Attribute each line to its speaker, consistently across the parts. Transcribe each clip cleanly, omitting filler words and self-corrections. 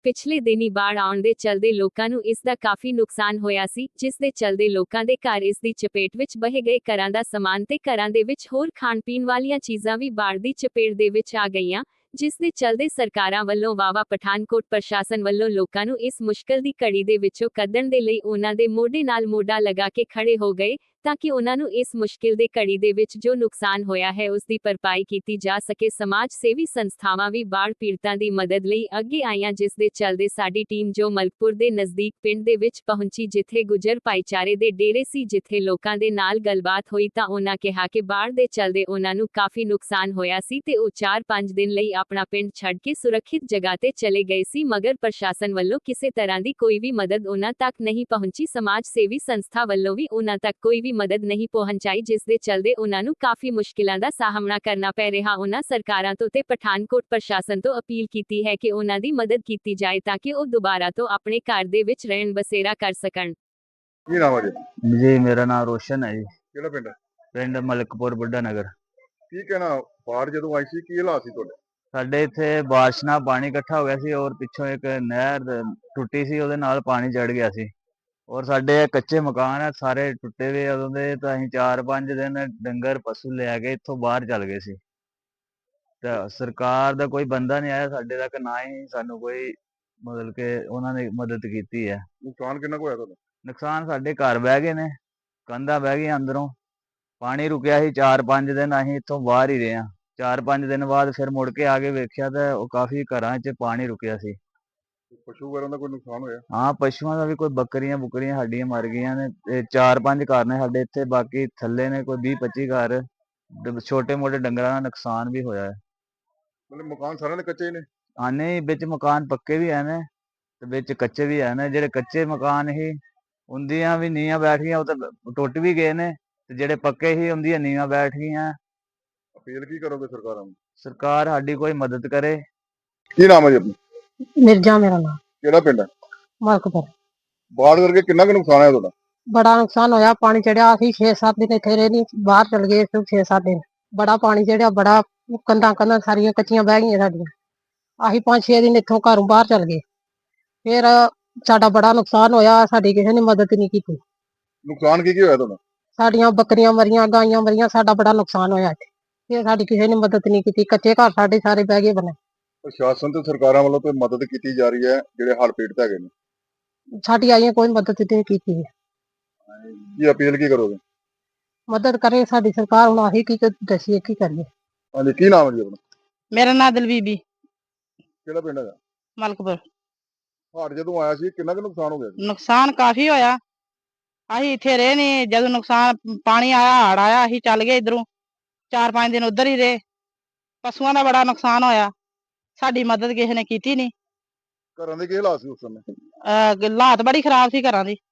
Speaker 1: ਪਿਛਲੇ ਦਿਨੀ ਬਾੜ ਆਉਣ ਦੇ ਚਲਦੇ ਲੋਕਾਂ ਨੂੰ ਇਸ ਦਾ ਕਾਫੀ ਨੁਕਸਾਨ ਹੋਇਆ ਸੀ, ਜਿਸ ਦੇ ਚਲਦੇ ਲੋਕਾਂ ਦੇ ਘਰ ਇਸ ਦੀ ਚਪੇਟ ਵਿੱਚ ਬਹਿ ਗਏ। ਘਰਾਂ ਦਾ ਸਮਾਨ ਤੇ ਘਰਾਂ ਦੇ ਵਿੱਚ ਹੋਰ ਖਾਣ ਪੀਣ ਵਾਲੀਆਂ ਚੀਜ਼ਾਂ ਵੀ ਬਾੜ ਦੀ ਚਪੇਟ ਦੇ ਵਿੱਚ ਆ ਗਈਆਂ, ਜਿਸ ਦੇ ਚਲਦੇ ਸਰਕਾਰਾਂ ਵੱਲੋਂ ਵਾਵਾ ਪਠਾਨਕੋਟ ਪ੍ਰਸ਼ਾਸਨ ਵੱਲੋਂ ਲੋਕਾਂ ਨੂੰ ਇਸ ਮੁਸ਼ਕਲ ਦੀ ਘੜੀ ਦੇ ਵਿੱਚੋਂ ਕੱਢਣ ਦੇ ਲਈ ਉਹਨਾਂ ਦੇ ਮੋਢੇ ਨਾਲ ਮੋਢਾ ਲਗਾ ਕੇ ਖੜੇ ਹੋ ਗਏ, ਤਾਂ ਕਿ ਉਹਨਾਂ ਨੂੰ ਇਸ ਮੁਸ਼ਕਿਲ ਦੇ ਘੜੀ ਦੇ ਵਿੱਚ ਜੋ ਨੁਕਸਾਨ ਹੋਇਆ ਹੈ ਉਸ ਦੀ ਭਰਪਾਈ ਕੀਤੀ ਜਾ ਸਕੇ। ਸਮਾਜ ਸੇਵੀ ਸੰਸਥਾਵਾਂ ਵੀ ਬਾੜ ਪੀੜਤਾਂ ਦੀ ਮਦਦ ਲਈ ਅੱਗੇ ਆਈਆਂ, ਜਿਸ ਦੇ ਚਲਦੇ ਸਾਡੀ ਟੀਮ ਜੋ ਮਲਕਪੁਰ ਦੇ ਨਜ਼ਦੀਕ ਪਿੰਡ ਦੇ ਵਿੱਚ ਪਹੁੰਚੀ, ਜਿੱਥੇ ਗੁੱਜਰ ਭਾਈਚਾਰੇ ਦੇ ਡੇਰੇ ਸੀ, ਜਿੱਥੇ ਲੋਕਾਂ ਦੇ ਨਾਲ ਗੱਲਬਾਤ ਹੋਈ ਤਾਂ ਉਹਨਾਂ ਕਿਹਾ ਕਿ ਬਾੜ ਦੇ ਚਲਦੇ ਉਹਨਾਂ ਨੂੰ ਕਾਫੀ ਨੁਕਸਾਨ ਹੋਇਆ ਸੀ ਤੇ ਉਹ 4-5 ਦਿਨ ਲਈ ਆਪਣਾ ਪਿੰਡ ਛੱਡ ਕੇ ਸੁਰੱਖਿਅਤ ਜਗ੍ਹਾ ਤੇ ਚਲੇ ਗਏ ਸੀ, ਮਗਰ ਪ੍ਰਸ਼ਾਸਨ ਵੱਲੋਂ ਕਿਸੇ ਤਰ੍ਹਾਂ ਦੀ ਕੋਈ ਵੀ ਮਦਦ ਉਹਨਾਂ ਤੱਕ ਨਹੀਂ ਪਹੁੰਚੀ। ਸਮਾਜ ਸੇਵੀ ਸੰਸਥਾ ਵੱਲੋਂ ਵੀ ਉਹਨਾਂ ਤੱਕ ਕੋਈ ਵੀ ਮਦਦ ਨਹੀਂ ਪਹੁੰਚਾਈ, ਜਿਸ ਦੇ ਚਲਦੇ ਉਹਨਾਂ ਨੂੰ ਕਾਫੀ ਮੁਸ਼ਕਿਲਾਂ ਦਾ ਸਾਹਮਣਾ ਕਰਨਾ ਪੈ ਰਿਹਾ। ਉਹਨਾਂ ਸਰਕਾਰਾਂ ਤੋਂ ਤੇ ਪਠਾਨਕੋਟ ਪ੍ਰਸ਼ਾਸਨ ਤੋਂ ਅਪੀਲ ਕੀਤੀ ਹੈ ਕਿ ਉਹਨਾਂ ਦੀ ਮਦਦ ਕੀਤੀ ਜਾਏ ਤਾਂ ਕਿ ਉਹ ਦੁਬਾਰਾ ਤੋਂ ਆਪਣੇ ਘਰ ਦੇ ਵਿੱਚ ਰਹਿਣ ਬਸੇਰਾ ਕਰ ਸਕਣ।
Speaker 2: ਕੀ ਨਾਮ ਹੈ
Speaker 3: ਜੀ ਮੇਰਾ ਨਾਮ ਰੋਸ਼ਨ ਹੈ ਜੀ।
Speaker 2: ਕਿਹੜਾ ਪਿੰਡ ਹੈ?
Speaker 3: ਪਿੰਡ ਮਲਕਪੁਰ ਬੁੱਢਾ ਨਗਰ।
Speaker 2: ਕੀ ਕਹਿਣਾ, ਬਾੜ ਜਦੋਂ ਆਈ ਸੀ ਕੀ ਹਾਲਾਤ ਸੀ ਤੁਹਾਡੇ?
Speaker 3: ਸਾਡੇ ਇੱਥੇ ਬਾਰਿਸ਼ ਨਾਲ ਪਾਣੀ ਇਕੱਠਾ ਹੋ ਗਿਆ ਸੀ ਔਰ ਪਿੱਛੋਂ ਇੱਕ ਨਹਿਰ ਟੁੱਟੀ ਸੀ, ਉਹਦੇ ਨਾਲ ਪਾਣੀ ਚੜ ਗਿਆ ਸੀ ਔਰ ਸਾਡੇ ਕੱਚੇ ਮਕਾਨ ਹੈ ਸਾਰੇ ਟੁੱਟੇ ਹੋਏ ਉਦੋਂ ਦੇ। ਤਾਂ ਅਸੀਂ 4-5 ਦਿਨ ਡੰਗਰ ਪਸ਼ੂ ਲੈ ਕੇ ਇੱਥੋਂ ਬਾਹਰ ਚੱਲ ਗਏ ਸੀ। ਤਾਂ ਸਰਕਾਰ ਦਾ ਕੋਈ ਬੰਦਾ ਨਹੀਂ ਆਇਆ ਸਾਡੇ ਤੱਕ, ਨਾ ਹੀ ਸਾਨੂੰ ਕੋਈ ਮਤਲਬ ਕਿ ਉਹਨਾਂ ਨੇ ਮਦਦ ਕੀਤੀ ਹੈ।
Speaker 2: ਨੁਕਸਾਨ ਕਿੰਨਾ ਕੁ ਹੋਇਆ ਤੁਹਾਡਾ?
Speaker 3: ਨੁਕਸਾਨ ਸਾਡੇ ਘਰ ਬਹਿ ਗਏ ਨੇ, ਕੰਧਾਂ ਬਹਿ ਗਈਆਂ ਅੰਦਰੋਂ। ਪਾਣੀ ਰੁਕਿਆ ਸੀ 4-5 ਦਿਨ, ਅਸੀਂ ਇੱਥੋਂ ਬਾਹਰ ਹੀ ਰਹੇ ਹਾਂ। 4-5 ਦਿਨ ਬਾਅਦ ਫਿਰ ਮੁੜ ਕੇ ਆ ਕੇ ਵੇਖਿਆ ਤਾਂ ਉਹ ਕਾਫੀ ਘਰਾਂ 'ਚ ਪਾਣੀ ਰੁਕਿਆ ਸੀ।
Speaker 2: ਪਸ਼ੂ ਵਗੈਰਾ ਦਾ ਕੋਈ ਨੁਕਸਾਨ ਹੋਇਆ?
Speaker 3: ਹਾਂ, ਪਸ਼ੂਆਂ ਦਾ ਵੀ ਕੋਈ ਬੱਕਰੀਆਂ ਬੁੱਕਰੀਆਂ ਸਾਡੀਆਂ ਮਰ ਗਈਆਂ ਨੇ। ਤੇ 4-5 ਘਰ ਨੇ ਸਾਡੇ ਇੱਥੇ, ਬਾਕੀ ਥੱਲੇ ਨੇ ਕੋਈ 20-25 ਘਰ। ਛੋਟੇ ਮੋਟੇ ਡੰਗਰਾਂ ਦਾ ਨੁਕਸਾਨ ਵੀ ਹੋਇਆ ਹੈ।
Speaker 2: ਮਤਲਬ ਮਕਾਨ ਸਾਰਿਆਂ ਦੇ ਕੱਚੇ ਹੀ ਨੇ?
Speaker 3: ਹਾਂ, ਨਹੀਂ, ਵਿੱਚ ਮਕਾਨ ਪੱਕੇ ਵੀ ਹੈ ਨੇ ਤੇ ਵਿੱਚ ਕੱਚੇ ਵੀ ਹੈ ਨੇ। ਜਿਹੜੇ ਕੱਚੇ ਮਕਾਨ ਹੀ ਉਹਦੀਆਂ ਵੀ ਨੀਹਾਂ ਬੈਠ ਗਈਆਂ, ਉਹ ਤਾਂ ਟੁੱਟ ਵੀ ਗਏ ਨੇ, ਤੇ ਜਿਹੜੇ ਪੱਕੇ ਹੀ ਉਹਦੀਆਂ ਨੀਹਾਂ ਬੈਠ ਗਈਆਂ।
Speaker 2: ਅਪੀਲ ਕੀ ਕਰੋਗੇ ਸਰਕਾਰਾਂ ਨੂੰ?
Speaker 3: ਸਰਕਾਰ ਸਾਡੀ ਕੋਈ ਮਦਦ ਕਰੇ।
Speaker 2: ਕੀ ਨਾਮ ਹੈ ਜੀ ਆਪਣਾ?
Speaker 4: ਮਿਰਜ਼ਾ ਮੇਰਾ ਨਾਮ।
Speaker 2: ਕਿਹੜਾ ਪਿੰਡ ਹੈ?
Speaker 4: ਮਲਕਪੁਰ।
Speaker 2: ਬਾੜ ਕਰਕੇ ਕਿੰਨਾ ਕੁ ਨੁਕਸਾਨ ਹੋਇਆ ਤੁਹਾਡਾ?
Speaker 4: ਬੜਾ ਨੁਕਸਾਨ ਹੋਇਆ, ਪਾਣੀ ਚੜਿਆ। ਅਸੀਂ 6-7 ਦਿਨ ਇੱਥੇ ਰਹੇ ਨਹੀਂ, ਬਾਹਰ ਚਲ ਗਏ 6-7 ਦਿਨ। ਬੜਾ ਪਾਣੀ ਚੜਿਆ, ਬੜਾ ਕੰਧਾਂ ਸਾਰੀਆਂ ਕੱਚੀਆਂ ਬਹਿ ਗਈਆਂ ਸਾਡੀਆਂ। ਅਸੀਂ 5-6 ਦਿਨ ਇੱਥੋਂ ਘਰੋਂ ਬਾਹਰ ਚਲ ਗਏ। ਫਿਰ ਸਾਡਾ ਬੜਾ ਨੁਕਸਾਨ ਹੋਇਆ, ਸਾਡੀ ਕਿਸੇ ਨੇ ਮਦਦ ਨਹੀਂ ਕੀਤੀ।
Speaker 2: ਨੁਕਸਾਨ ਕੀ ਹੋਇਆ ਤੁਹਾਡਾ?
Speaker 4: ਸਾਡੀਆਂ ਬੱਕਰੀਆਂ ਮਰੀਆਂ, ਗਾਈਆਂ ਮਰੀਆਂ, ਸਾਡਾ ਬੜਾ ਨੁਕਸਾਨ ਹੋਇਆ ਇੱਥੇ। ਫਿਰ ਸਾਡੀ ਕਿਸੇ ਨੇ ਮਦਦ ਨਹੀਂ ਕੀਤੀ, ਕੱਚੇ ਘਰ ਸਾਡੇ ਸਾਰੇ ਬਹਿ ਗਏ ਬਣੇ।
Speaker 2: ਪ੍ਰਸ਼ਾਸਨ ਤੇ ਸਰਕਾਰਾਂ ਵੱਲੋਂ ਕੋਈ ਮਦਦ ਕੀਤੀ ਜਾ ਰਹੀ ਹੈ ਜਿਹੜੇ ਹੜ੍ਹ ਪੀੜਤ ਹੈਗੇ ਨੇ?
Speaker 4: ਸਾਡੀ ਆਈਆਂ ਕੋਈ ਮਦਦ ਨਹੀਂ ਕੀਤੀ।
Speaker 2: ਕੀ ਅਪੀਲ ਕੀ ਕਰੋਗੇ?
Speaker 4: ਮਦਦ ਕਰੇ ਸਾਡੀ ਸਰਕਾਰ, ਹੁਣ ਆਹੀ ਕੀ ਦੱਸੀਏ, ਕੀ ਕਰੀਏ।
Speaker 2: ਹਾਂਜੀ, ਕੀ ਨਾਮ ਹੈ ਜੀ ਆਪਣਾ?
Speaker 5: ਮੇਰਾ ਨਾਮ ਦਲਬੀਬੀ।
Speaker 2: ਕਿਹੜਾ ਪਿੰਡ ਹੈਗਾ?
Speaker 5: ਮਲਕਪੁਰ।
Speaker 2: ਹੜ੍ਹ ਜਦੋਂ ਆਇਆ ਸੀ ਕਿੰਨਾ ਕੁ ਨੁਕਸਾਨ ਹੋ ਗਿਆ ਸੀ?
Speaker 5: ਨੁਕਸਾਨ ਕਾਫੀ ਹੋਇਆ। ਅਸੀਂ ਇੱਥੇ ਰਹੇ ਨੀ, ਜਦੋਂ ਨੁਕਸਾਨ ਪਾਣੀ ਆਇਆ, ਹੜ ਆਇਆ, ਅਸੀਂ ਚੱਲ ਗਏ ਇਧਰੋਂ। 4-5 ਦਿਨ ਉਧਰ ਹੀ ਰਹੇ। ਪਸ਼ੂਆਂ ਦਾ ਬੜਾ ਨੁਕਸਾਨ ਹੋਇਆ, ਸਾਡੀ ਮਦਦ ਕਿਸੇ ਨੇ ਕੀਤੀ ਨੀ।
Speaker 2: ਘਰਾਂ ਦੇ ਕੀ ਹਾਲਾਤ ਸੀ ਉਸ ਸਮੇਂ?
Speaker 5: ਹਾਲਾਤ ਬੜੀ ਖਰਾਬ ਸੀ ਘਰਾਂ ਦੀ।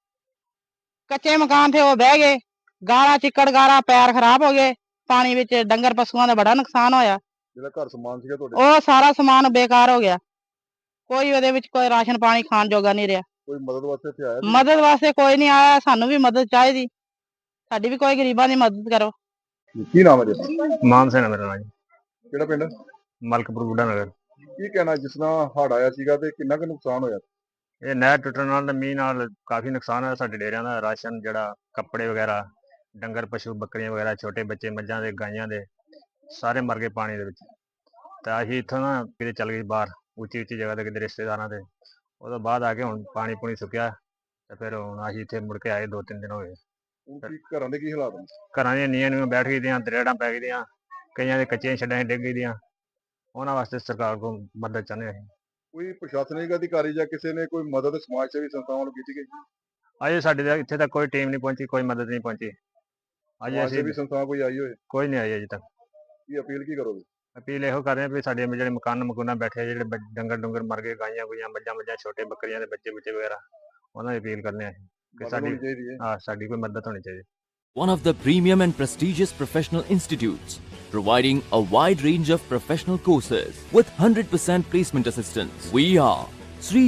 Speaker 5: ਕੱਚੇ ਮਕਾਨ ਤੇ ਉਹ ਬਹਿ ਗਏ, ਗਾਰਾ ਚਿੱਕੜ ਗਾਰਾ, ਪੈਰ ਖਰਾਬ ਹੋ ਗਏ ਪਾਣੀ ਵਿੱਚ। ਡੰਗਰ ਪਸ਼ੂਆਂ ਦਾ ਬੜਾ ਨੁਕਸਾਨ ਹੋਇਆ।
Speaker 2: ਜਿਹੜਾ ਘਰ ਸਮਾਨ ਸੀਗਾ ਤੁਹਾਡੇ?
Speaker 5: ਉਹ ਸਾਰਾ ਸਮਾਨ ਬੇਕਾਰ ਹੋ ਗਿਆ, ਕੋਈ ਉਹਦੇ ਵਿੱਚ ਕੋਈ ਰਾਸ਼ਨ ਪਾਣੀ ਖਾਣ ਜੋਗਾ ਨਹੀਂ ਰਿਹਾ।
Speaker 2: ਕੋਈ ਮਦਦ ਵਾਸਤੇ ਇੱਥੇ ਆਇਆ?
Speaker 5: ਮਦਦ ਵਾਸਤੇ ਕੋਈ ਨਹੀਂ ਆਇਆ, ਸਾਨੂੰ ਵੀ ਮਦਦ ਚਾਹੀਦੀ। ਸਾਡੀ ਵੀ ਕੋਈ ਗਰੀਬਾਂ ਦੀ ਮਦਦ ਕਰੋ।
Speaker 2: ਕੀ ਨਾਮ ਹੈ ਜੀ?
Speaker 3: ਮਾਨ ਸਿੰਘ ਮੇਰਾ ਨਾਮ ਜੀ।
Speaker 2: ਕਿਹੜਾ ਪਿੰਡ?
Speaker 3: ਮਲਕਪੁਰ ਬੁੱਢਾ ਨਗਰ।
Speaker 2: ਕੀ ਕਹਿਣਾ, ਜਿਸ ਤਰ੍ਹਾਂ ਹੜ੍ਹ ਆਇਆ ਸੀਗਾ ਤੇ ਕਿੰਨਾ ਕੁ ਨੁਕਸਾਨ ਹੋਇਆ?
Speaker 3: ਇਹ ਨਹਿਰ ਟੁੱਟਣ ਨਾਲ ਤੇ ਮੀਂਹ ਨਾਲ ਕਾਫੀ ਨੁਕਸਾਨ ਹੋਇਆ ਸਾਡੇ ਡੇਰਿਆਂ ਦਾ। ਰਾਸ਼ਨ, ਜਿਹੜਾ ਕੱਪੜੇ ਵਗੈਰਾ, ਡੰਗਰ ਪਸ਼ੂ ਬੱਕਰੀਆਂ ਵਗੈਰਾ, ਛੋਟੇ ਬੱਚੇ ਮੱਝਾਂ ਦੇ ਗਾਈਆਂ ਦੇ ਸਾਰੇ ਮਰ ਗਏ ਪਾਣੀ ਦੇ ਵਿੱਚ। ਤਾਂ ਅਸੀਂ ਇੱਥੋਂ ਨਾ ਕਿਤੇ ਚੱਲ ਗਏ ਬਾਹਰ, ਉੱਚੀ ਜਗ੍ਹਾ ਤੇ, ਕਿਤੇ ਰਿਸ਼ਤੇਦਾਰਾਂ ਦੇ। ਉਹਦੋਂ ਬਾਅਦ ਆ ਕੇ ਹੁਣ ਪਾਣੀ ਪੂਣੀ ਸੁੱਕਿਆ ਤੇ ਫਿਰ ਹੁਣ ਅਸੀਂ ਇੱਥੇ ਮੁੜ ਕੇ ਆਏ। 2-3 ਦਿਨ ਹੋ ਗਏ।
Speaker 2: ਘਰਾਂ ਦੇ ਕੀ ਹਾਲਾਤ ਨੇ?
Speaker 3: ਘਰਾਂ ਦੀਆਂ ਨੀਹਾਂ ਨੂੰ ਬੈਠ ਗਈਆਂ, ਦਰੇੜਾਂ ਪੈ ਗਈਆਂ, ਕਈਆਂ ਦੇ ਕੱਚੀਆਂ ਛੱਡਾਂ ਡਿੱਗ ਗਈਆਂ। ਉਹਨਾਂ ਵਾਸਤੇ ਸਰਕਾਰ ਕੋਲ ਮਦਦ ਚਾਹੁੰਦੇ ਹਾਂ ਅਸੀਂ।
Speaker 2: ਕੋਈ ਪ੍ਰਸ਼ਾਸਨਿਕ ਅਧਿਕਾਰੀ ਜਾਂ ਕਿਸੇ ਨੇ ਕੋਈ ਮਦਦ ਸਮਾਜ ਸੇਵੀ ਸੰਸਥਾਵਾਂ ਨੂੰ ਕੀਤੀ ਗਈ?
Speaker 3: ਅਜੇ ਸਾਡੇ ਤੱਕ ਇੱਥੇ ਤੱਕ ਕੋਈ ਟੀਮ ਨਹੀਂ ਪਹੁੰਚੀ, ਕੋਈ ਮਦਦ ਨਹੀਂ ਪਹੁੰਚੀ। ਅਜੇ
Speaker 2: ਸਮਾਜ
Speaker 3: ਅਸੀਂ
Speaker 2: ਸੇਵੀ ਸੰਸਥਾ ਕੋਈ ਆਈ ਹੋਏ?
Speaker 3: ਕੋਈ ਨਹੀਂ ਆਈ ਅਜੇ ਤੱਕ।
Speaker 2: ਕੀ ਅਪੀਲ ਕੀ ਕਰੋਗੇ?
Speaker 3: ਅਪੀਲ ਇਹੋ ਕਰ ਰਹੇ ਹਾਂ ਵੀ ਸਾਡੇ ਜਿਹੜੇ ਮਕਾਨ ਮਕੂਨਾ ਬੈਠੇ, ਜਿਹੜੇ ਡੰਗਰ ਡੁੰਗਰ ਮਰ ਗਏ, ਗਾਈਆਂ ਗੁਈਆਂ, ਮੱਝਾਂ ਛੋਟੇ ਬੱਕਰੀਆਂ ਦੇ ਬੱਚੇ ਬੁੱਚੇ ਵਗੈਰਾ, ਉਹਨਾਂ ਦੀ ਅਪੀਲ ਕਰਨੇ ਆ ਕਿ ਸਾਡੀ ਕੋਈ ਮਦਦ ਹੋਣੀ ਚਾਹੀਦੀ।
Speaker 6: One of the premium and prestigious professional institutes, providing a wide range of professional courses with 100% placement assistance. We are Sri